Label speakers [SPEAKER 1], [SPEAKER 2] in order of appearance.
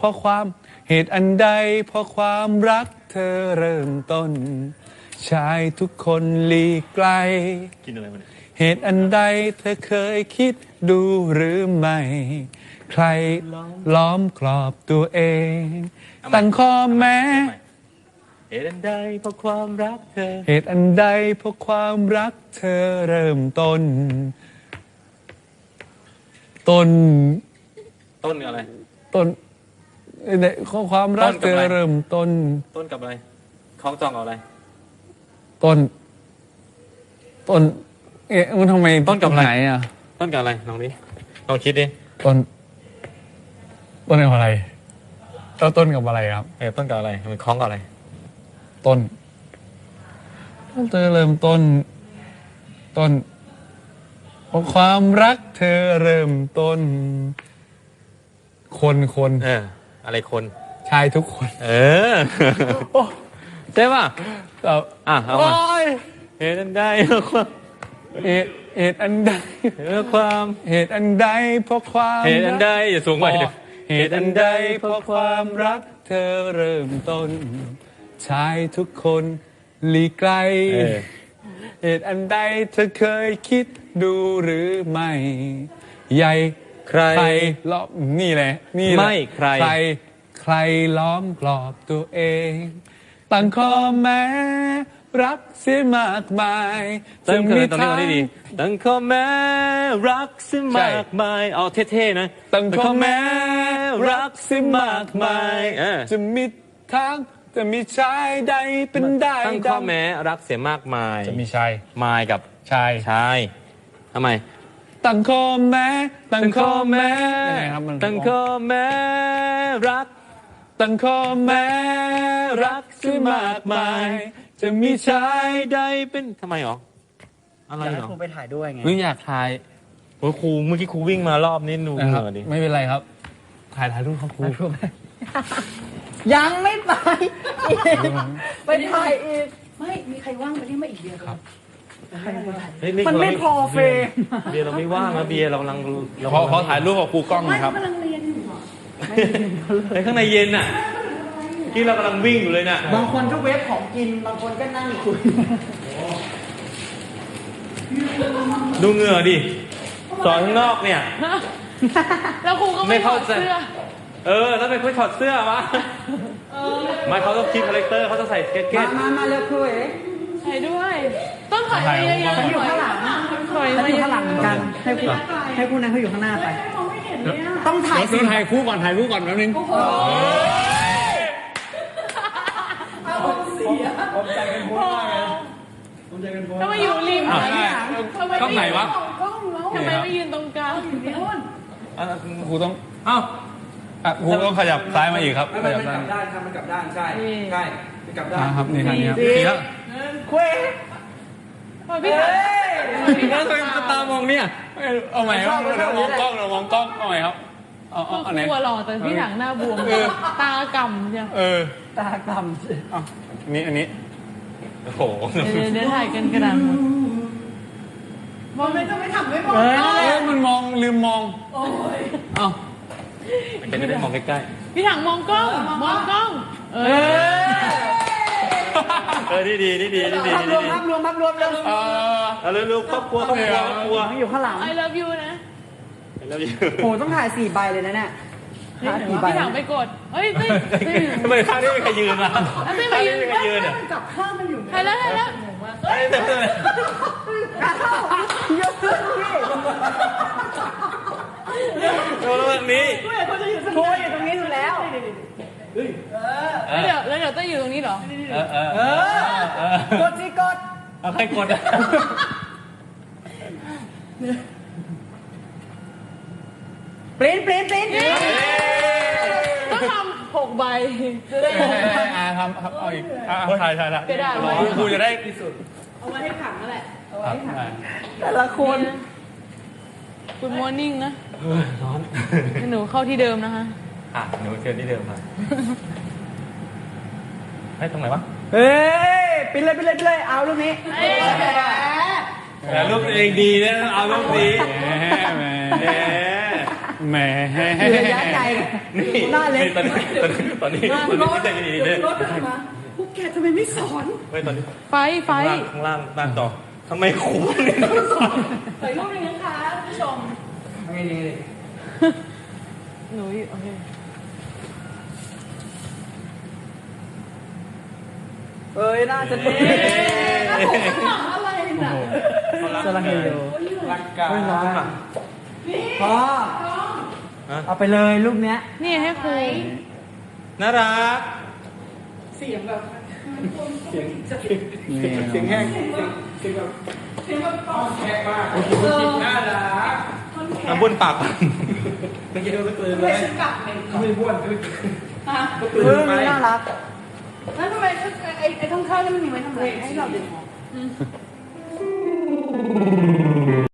[SPEAKER 1] ราะความเหตุอันใดเพราะความรักเธอเริ่มต้นชายทุกคนหลีกไกล
[SPEAKER 2] กินอะไรมาเนี่ย
[SPEAKER 1] เหตุอันใดเธอเคยคิดดูหรือไม่ใครล้อมกรอบตัวเองตั้งข้อแม้
[SPEAKER 2] เหตุอันใดเพราะความรักเธอ
[SPEAKER 1] เหตุอันใดเพราะความรักเธอเริ่มต้น
[SPEAKER 2] อะไร
[SPEAKER 1] ต้นในข้อความรักเธอเริ่มต้น
[SPEAKER 2] กับอะไรคล้องจองกับอะไร
[SPEAKER 1] ต้นมันทำไม
[SPEAKER 2] ต้นกับอะไร
[SPEAKER 1] อ่ะ
[SPEAKER 2] ต้นกับอะไรลองดิลองคิดดิ
[SPEAKER 1] ต้นกับอะไรแล้วต้นกับอะไรครับ
[SPEAKER 2] ต้นกับอะไรมันคล้องกับอะไร
[SPEAKER 1] ต้นเธอเริ่มต้นเพราะความรักเธอเริ่มต้นคน
[SPEAKER 2] อะไรคน
[SPEAKER 1] ชายทุกคน
[SPEAKER 2] ใช่ป่ะ
[SPEAKER 1] เอา
[SPEAKER 2] มาเหตุอันใดเพราะความ
[SPEAKER 1] เหตุอันใด
[SPEAKER 2] เพราะความ
[SPEAKER 1] เหตุอันใดเพราะความ
[SPEAKER 2] เหตุอันใดอย่าสูงไป
[SPEAKER 1] เหตุอันใดเพราะความรักเธอเริ่มต้นชายทุกคนหลีกไกลเหตุอันใดเธอเคยคิดดูหรือไม่ใหญ่ใครล้อมนี่แหละ
[SPEAKER 2] ไม่ใ
[SPEAKER 1] ครล้อมกรอบตัวเองตั้งข้อแม้รักเสียมากมาย
[SPEAKER 2] จะมีทางตั้งข้อแม้รักเสียมากมายเอาเท่ๆนะ
[SPEAKER 1] ตั้งข้อแม้รักเสียมากมายจะมีทางจะมีชายใดเป็นได้
[SPEAKER 2] ตั้งข้อแม้รักเสียมากมาย
[SPEAKER 1] จะมีชาย
[SPEAKER 2] มายกับ
[SPEAKER 1] ชาย
[SPEAKER 2] ทำไม
[SPEAKER 1] ตั้งข้อแม้
[SPEAKER 2] ตั้งข้อแม้รัก
[SPEAKER 1] ตั้งข้อแม้รักที่มากมายจะมีชายใดเป็น
[SPEAKER 2] ทำไมหรออะไรหรอ
[SPEAKER 3] ครูไปถ่ายด้วยไง
[SPEAKER 2] อยากถ่ายโอ้ครูเมื่อกี้ครูวิ่งมารอบนี้ดูเหงื่อดิ
[SPEAKER 1] ไม่เป็นไรครับถ่ายรูปครับครู
[SPEAKER 3] ยังไม่ไปไปถ่ายอีก
[SPEAKER 4] ไม่มีใครว่างไปเรียกมาอีกเดียวครับ
[SPEAKER 3] มันไม่พอเฟรม
[SPEAKER 2] เบียร์เราไม่ว่างนะเบียร์เรากำลัง
[SPEAKER 1] ขอถ่ายรูปกับครูกล้องนะครับ
[SPEAKER 4] กำลังเรียนอยู่
[SPEAKER 2] ในข้างในเย็นน่ะที่เรากำลังวิ่งอยู่เลยน่ะ
[SPEAKER 3] บางคนก็เวฟของกินบางคนก็นั่งคุย
[SPEAKER 2] ดูเหงื่อดิสอนข้างนอกเนี่ย
[SPEAKER 4] แล้วครูก็ไม่ถอดเสื้อ
[SPEAKER 2] แล้วเป็นคนถอดเสื้อวะไม่เขาต้องคิดคาแรคเตอร์เขาจะใส่สเก็ต
[SPEAKER 3] มาเร็วครูเอ๋
[SPEAKER 4] ใส่ด้วยต้องถอยมาเยอะ
[SPEAKER 3] ๆอยู่ข้างหลังเขาอยู่ข้างหลังเหมือนกันให้คู่นั้นเขาอยู่ข้างหน้าไปต้องถ่
[SPEAKER 1] ายคู่ก่อนแป๊บนึงผมใจเป็นพูดมากเลย
[SPEAKER 4] ทำไมอยู่ริม
[SPEAKER 1] กล้องไหนวะ
[SPEAKER 4] ทำไมไม่ยืนตรงกลาง
[SPEAKER 1] ครูต้องครูต้องขยับซ้ายมาอีกครับ
[SPEAKER 3] ขยับด้านมันกลับด้านใช่กลับด้าน
[SPEAKER 1] ครับนี่ครับนี่แล้ว
[SPEAKER 3] คุย
[SPEAKER 2] พี่ตามองเนี่ย
[SPEAKER 1] เอาใหม่ครับมองกล้องเอาใหม่ครับ
[SPEAKER 4] อันไหนตัวหล่อแต่พี่ถังหน้าบวมตากำใช่
[SPEAKER 3] ตาก
[SPEAKER 1] ำอันนี้
[SPEAKER 2] โอ้โห
[SPEAKER 4] เดี๋ยวถ่ายกันกระดานหมดมองไม่ต้องไม่ทำไม่มอง
[SPEAKER 1] มันมองลืมมอง
[SPEAKER 4] โอ้ย
[SPEAKER 2] เป็นจะได้มองใกล้
[SPEAKER 4] ๆพี่ถังมองกล้อง
[SPEAKER 2] ดี
[SPEAKER 3] ภาพรวมเลย
[SPEAKER 2] เร็วครอบครัว
[SPEAKER 3] อยู่ข้างหลัง
[SPEAKER 4] I love you นะ
[SPEAKER 3] โหต้องถ่าย4 ใบเลยนะเนี่ย
[SPEAKER 4] พี่ถังไปกดเฮ้ย
[SPEAKER 2] ทำไมข้างนี้ไม่ใครยืนล่ะ
[SPEAKER 4] ไม่ใครยืน
[SPEAKER 3] เนี่ยจับข้างมันอยู่
[SPEAKER 4] ถ่ายแล้ว
[SPEAKER 3] เยอะขึ้นพี่
[SPEAKER 2] โดนแบบนี้
[SPEAKER 3] โค้อยู่ตรงนี้อยู่แล้ว
[SPEAKER 4] แล้วเดี๋ยวต้องอยู่ตรงนี้เหร
[SPEAKER 3] อกดสิกด
[SPEAKER 2] เอาใครกด
[SPEAKER 3] ปริ้น
[SPEAKER 4] ต้องทำ6 ใบจะได้
[SPEAKER 1] ทำเอาอีกถ่ายละครูจะได้ที่สุด
[SPEAKER 4] เอาไว้ให้ขังนั่นแหละเอาไว้ให้ขัง
[SPEAKER 3] แต่ละคน
[SPEAKER 4] Good morning นะร้อนหนูเข้าที่เดิมนะคะ
[SPEAKER 2] หนูเชิญที่เดิมมาให้ตรงไหนวะ
[SPEAKER 3] ปิดเลยเอาลูกนี้
[SPEAKER 2] แต่ลูกเองดีนะเอาลูกนี้
[SPEAKER 1] แหม
[SPEAKER 3] อยู่ระยะไกลหน้าเล็ก
[SPEAKER 2] ตอนนี้ใจดีๆเนี่ย
[SPEAKER 3] รถมาพวกแกทำไมไม่สอน
[SPEAKER 2] เฮ้ยตอนนี้
[SPEAKER 4] ไฟ
[SPEAKER 2] ข้างล่างหน้าจอทำไมครูเนี่ย
[SPEAKER 3] ถ่ายรูปเลยนะคะผู้ชมไงดี
[SPEAKER 4] หนูโอเค
[SPEAKER 3] เอ้ยน่าจะดีอะไรน่ะสลังเฮโย
[SPEAKER 1] รักกัน
[SPEAKER 3] ไม่ร้อนอ่ะพ่อเอาไปเลยรูปเนี้ย
[SPEAKER 4] นี่ให้ครู
[SPEAKER 2] น่ารัก
[SPEAKER 3] เสียงแบบ
[SPEAKER 1] นี่
[SPEAKER 3] เสียงแห้ง
[SPEAKER 2] น้ำบุญปาก
[SPEAKER 3] ไม่ใช่กลับเลยไม่บ้วนน่ารัก
[SPEAKER 5] แล้วทำไมไอ้ข้างๆนี่มันมีไว้ทำไมให้เราดึงออก